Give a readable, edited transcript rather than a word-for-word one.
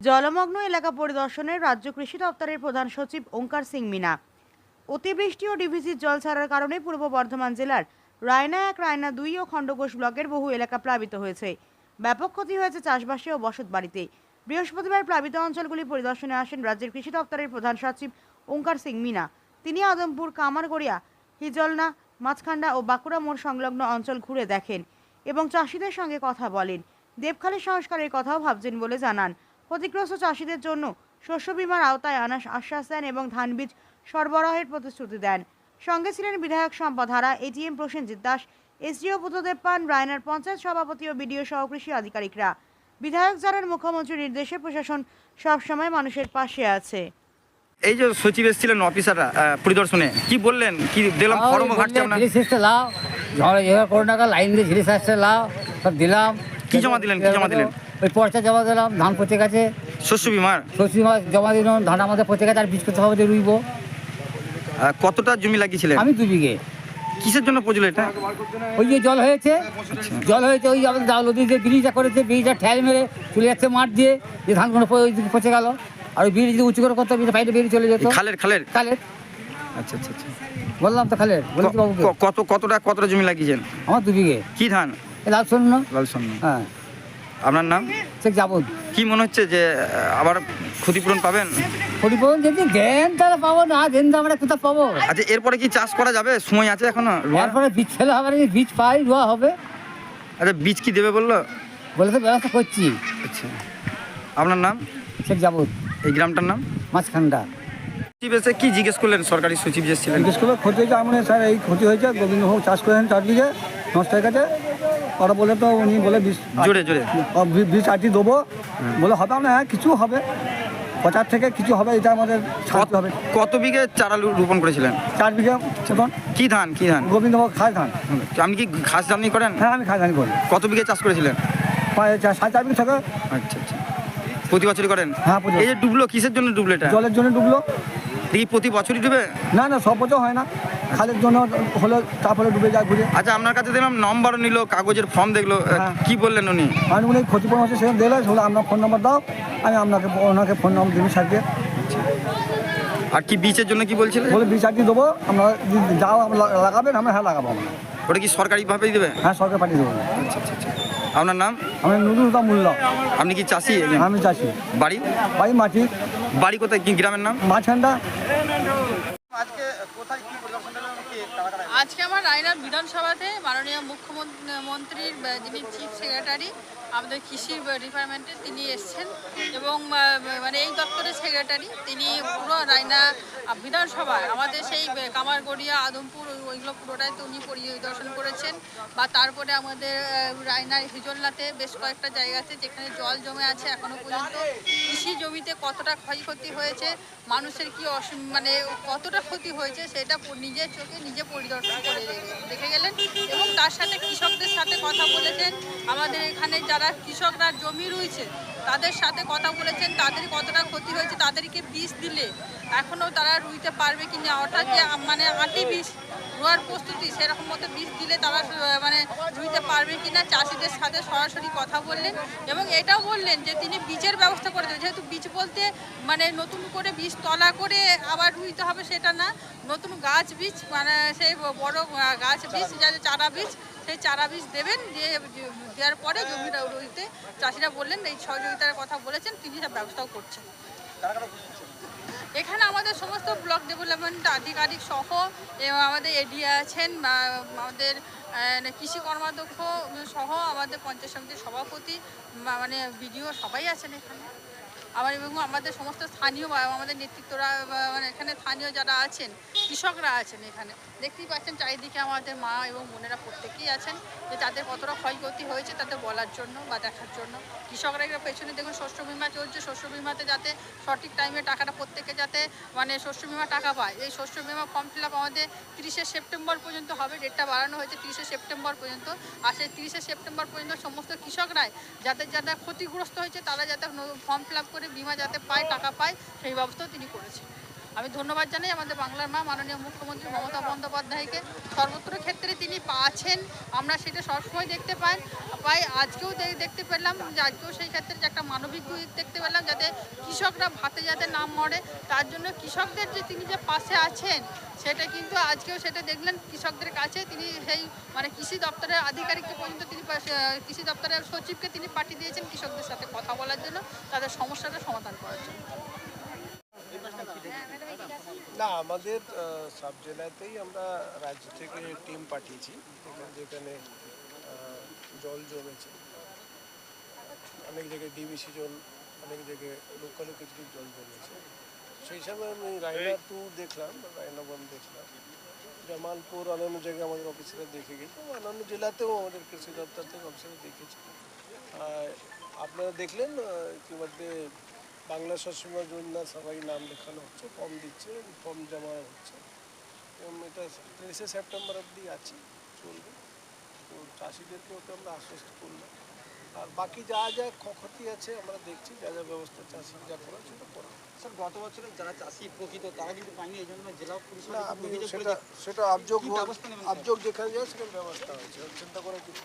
জলমগ্ন এলাকা পরিদর্শনে রাজ্য কৃষি দপ্তরের প্রধান সচিব ওঙ্কার সিং মিনা। অতিবৃষ্টি ও ডিভিসির জল ছাড়ার কারণে পূর্ব বর্ধমান জেলার রায়না 1, রায়না 2 ও খণ্ডঘোষ ব্লকের বহু এলাকা প্লাবিত হয়েছে। ব্যাপক ক্ষতি হয়েছে চাষবাসে ও বসত বাড়িতে। বৃহস্পতিবার প্লাবিত অঞ্চলগুলি পরিদর্শনে আসেন রাজ্যের কৃষি দপ্তরের প্রধান সচিব ওঙ্কার সিং মিনা। তিনি আদমপুর, কামারগড়িয়া, হিজলনা, মাছখান্ডা ও বাঁকুড়া মোড় সংলগ্ন অঞ্চল ঘুরে দেখেন এবং চাষিদের সঙ্গে কথা বলেন। দেবখালী সংস্কারের কথাও ভাবছেন বলে জানান। ক্ষতিগ্রস্ত চাষিদের জন্য শস্য বীমার আওতায় আনার আশ্বাস দেন এবং ধান বীজ সরবরাহের প্রতিশ্রুতি দেন। সঙ্গে ছিলেন বিধায়ক সম্পদ হারা, এটিএম প্রসেনজিৎ দাস, এসডিও বুদ্ধদেব পান, রায়নার পঞ্চায়েত সভাপতি ও বিডিও সহ কৃষি আধিকারিকরা। বিধায়ক জানান, মুখ্যমন্ত্রীর নির্দেশে প্রশাসন সবসময় মানুষের পাশে আছে। এই যে সচিব এসেছিলেন অফিসাররা পরিদর্শনে, কি বললেন? কি দিলাম ফর্ম ঘাটছে না? লাও করোনা লাইন দিয়ে ঝিলিস আসছে, লাও সব দিলাম। কি জমা দিলেন? কি জমা দিলেন? ওই পর্চা জমা দিলাম, ধান পচে গেছে। শস্য বিমার শস্য বিমা জমা দিলাম, ধান আমাদের পচে গেছে, আর বীজ করতে হবে, রুইব। কতটা জমি লাগিয়েছিলেন? আমি 2 বিঘে। কিসের জন্য পড়ছিল এটা? ওই যে জল হয়েছে, জল হয়েছে, ওই আমাদের নদী যে ব্রিজটা করেছে, ব্রিজটা ঠেল মেরে চলে যাচ্ছে মাঠ দিয়ে, যে ধানগুলো ওই দিকে পচে গেল। আর ওই ব্রিজ যদি উঁচু করে করতে বাইরে বেরিয়ে চলে যেত। খালের খালের খালের আচ্ছা আচ্ছা আচ্ছা, বললাম তো খালের। কতটা জমি লাগিয়েছেন? আমার 2 বিঘে। কি ধান? লাল শূন্য। লাল শূন্য। হ্যাঁ। আপনার নাম? শেখ জাবুদ। কি মনে হচ্ছে যে আবার ক্ষতিপূরণ পাবেন? ক্ষতিপূরণ যদি দেন তাহলে পাবো, না দেন তো আমরা কোথাও পাবো। আচ্ছা, এরপরে কি চাষ করা যাবে? সময় আছে এখনো? এরপরে বীজ ফেলে হবে, বীজ পাই রোয়া হবে। আচ্ছা, বীজ কি দেবে বললো? বলে তো ব্যবস্থা করছি। আচ্ছা, আপনার নাম? শেখ জাবুদ। এই গ্রামটার নাম? মাছখান্ডা। সচিব এসে কি জিজ্ঞেস করলেন? সরকারি সচিব যে ছিলেন, জিজ্ঞেস করলো ক্ষতি হয়েছে। আমি স্যার এই ক্ষতি হয়েছে, গোবিন্দভোগ চাষ করেন 4 বিঘে, নষ্ট হয়ে গেছে। ওরা বলে তো উনি বলে জোরে জোরে বীজ আটি দেবো বলে হবে। আমরা হ্যাঁ কিছু হবে, 50 থেকে কিছু হবে, এটা আমাদের ছাড়তে হবে। কত বিঘে চারা রোপণ করেছিলেন? 4 বিঘে। এখন কি ধান? কি ধান? গোবিন্দভোগ খাস ধান। আপনি কি ঘাস জানি করেন? হ্যাঁ, আমি খাস ধান করি। কত বিঘে চাষ করেছিলেন? 4.5 বিঘে থেকে। আচ্ছা আচ্ছা, প্রতি বছরই করেন? হ্যাঁ, প্রতি বছর। এই যে ডুবলো, কিসের জন্য ডুবলো এটা? জলের জন্য ডুবলো। এই প্রতি বছরই ডুবে? না না, সব বছর হয় না, খালের জন্য হলে তারপরে ডুবে যায় ঘুরে। আচ্ছা, আপনার কাছে দেখলাম নম্বরও নিল, কাগজের ফর্ম দেখলো, কি বললেন উনি? আমি উনি ক্ষতিপূরণ হচ্ছে সেখানে দিলে হলে আপনার ফোন নম্বর দাও, আমি ওনাকে ফোন নম্বর দিবি স্যারকে। আর কি বীজের জন্য কি বলছিলেন? বলে বীজ আটি দেবো, আমরা যাও আমরা লাগাবেন। আমরা হ্যাঁ লাগাবো। আমরা ওটা কি সরকারিভাবেই দেবে? হ্যাঁ, সরকার পাঠিয়ে দেবো। আচ্ছা আচ্ছা আচ্ছা, আপনার নাম? আমি নুরুল মূল্য। আপনি কি চাষি? আমি চাষি। বাড়ি? বাড়ি মাটি। বাড়ি কোথায়? কি গ্রামের নাম? মাছখান্ডা। আজকে আমার রায়নার বিধানসভাতে মাননীয় মুখ্যমন্ত্রীর যিনি চিফ সেক্রেটারি আমাদের কৃষি ডিপার্টমেন্টে তিনি এসছেন এবং মানে এই দপ্তরের সেক্রেটারি তিনি পুরো রায়না বিধানসভায় আমাদের সেই কামারগড়িয়া, আদমপুর ওইগুলো পুরোটাই তো উনি পরিদর্শন করেছেন। বা তারপরে আমাদের রায়নার হিজলনাতে বেশ কয়েকটা জায়গা আছে যেখানে জল জমে আছে এখনও পর্যন্ত। কৃষি জমিতে কতটা ক্ষয়ক্ষতি হয়েছে, মানুষের কি মানে কতটা ক্ষতি হয়েছে সেটা নিজের চোখে নিজে পরিদর্শন করে দেখে গেলেন এবং তার সাথে কৃষকদের সাথে কথা বলেছেন। আমাদের এখানে যারা কৃষকরা জমি রয়েছে তাদের সাথে কথা বলেছেন, তাদের কতটা ক্ষতি হয়েছে, তাদেরকে বীজ দিলে এখনও তারা রুইতে পারবে কি না, অর্থাৎ যে মানে আটি বীজ রোয়ার প্রস্তুতি সেরকম মতো বীজ দিলে তারা মানে রুইতে পারবে কি না, চাষিদের সাথে সরাসরি কথা বললেন এবং এটাও বললেন যে তিনি বীজের ব্যবস্থা করে দেবেন। যেহেতু বীজ বলতে মানে নতুন করে বীজ তলা করে আবার রুইতে হবে সেটা না, নতুন গাছ বীজ মানে সেই বড় গাছ বীজ যাতে চারা বীজ, সেই চারা বীজ দেবেন, দিয়ে দেওয়ার পরে জমিটা রুইতে চাষিরা বললেন এই সহযোগিতার কথা বলেছেন, তিনি সব ব্যবস্থাও করছেন। এখানে আমাদের সমস্ত ব্লক ডেভেলপমেন্ট আধিকারিক সহ এবং আমাদের এডিএ আছেন, আমাদের কৃষি কর্মাধ্যক্ষ সহ আমাদের পঞ্চায়েত সমিতির সভাপতি মানে বিডিও সবাই আছেন এখানে। আবার এবং আমাদের সমস্ত স্থানীয় আমাদের নেতৃত্বরা মানে এখানে স্থানীয় যারা আছেন কৃষকরা আছেন। এখানে দেখতেই পাচ্ছেন চারিদিকে আমাদের মা এবং বোনেরা প্রত্যেকেই আছেন যে তাদের কতটা ক্ষয়ক্ষতি হয়েছে তাদের বলার জন্য বা দেখার জন্য। কৃষকরা পেছনে দেখুন শস্য বিমা চলছে, শস্য বিমাতে যাতে সঠিক টাইমে টাকাটা প্রত্যেকে যাতে মানে শস্য বিমা টাকা পায়। এই শস্য বিমা ফর্ম ফিল আপ আমাদের 30শে সেপ্টেম্বর পর্যন্ত হবে, ডেটটা বাড়ানো হয়েছে 30শে সেপ্টেম্বর পর্যন্ত। আর সেই 30শে সেপ্টেম্বর পর্যন্ত সমস্ত কৃষকরাই যাদের যারা ক্ষতিগ্রস্ত হয়েছে তারা যাতে ফর্ম ফিল আপ করে বিমা যাতে পায়, টাকা পায়, সেই ব্যবস্থাও তিনি করেছেন। আমি ধন্যবাদ জানাই আমাদের বাংলার মা মাননীয় মুখ্যমন্ত্রী মমতা বন্দ্যোপাধ্যায়কে। সর্বত্র ক্ষেত্রে তিনি আছেন, আমরা সেটা সবসময় দেখতে পাই। আজকেও দেখতে পেলাম যে আজকেও সেই ক্ষেত্রে যে একটা মানবিক দিক দেখতে পেলাম, যাতে কৃষকরা ভাতে যাতে না মরে তার জন্য কৃষকদের যে তিনি যে পাশে আছেন সেটা কিন্তু আজকেও সেটা দেখলেন কৃষকদের কাছে তিনি সেই মানে কৃষি দপ্তরের আধিকারিককে পর্যন্ত তিনি কৃষি দপ্তরের সচিবকে তিনি পাঠিয়ে দিয়েছেন কৃষকদের সাথে কথা বলার জন্য তাদের সমস্যাটা সমাধান করার জন্য। না আমাদের সব জেলাতেই আমরা রাজ্য থেকে টিম পাঠিয়েছি যেখানে জল জমেছে অনেক জায়গায় ডিবিসি জল অনেক জায়গায় লোকালও কিছু জল জমেছে সেই সময় আমি রায়না 2 দেখলাম রায়না 1 দেখলাম জামালপুর অন্যান্য জায়গায় আমাদের অফিসাররা দেখে গেছে অন্যান্য জেলাতেও আমাদের কৃষি দপ্তর থেকে অফিসাররা দেখেছে। আপনারা দেখলেন ইতিমধ্যে বাংলা শস্যবীমা যোজনা সবাই নাম লেখানো হচ্ছে ফর্ম দিচ্ছে ফর্ম জমা হচ্ছে এবং এটা 30 সেপ্টেম্বর অবধি আছে চলবে। তো চাষিদেরকেও তো আমরা আশ্বস্ত করলাম আর বাকি যা যা ক্ষতি আছে আমরা দেখছি যা যা ব্যবস্থা চাষি যা করা সেটা করা। স্যার গত বছরে যারা চাষি প্রকৃত তারা কিন্তু পায়নি এই জন্য জেলা পরিষদ না আপনি সেটা অভিযোগ যেখানে যায় সেখানে ব্যবস্থা হয়েছে চিন্তা করার কিছু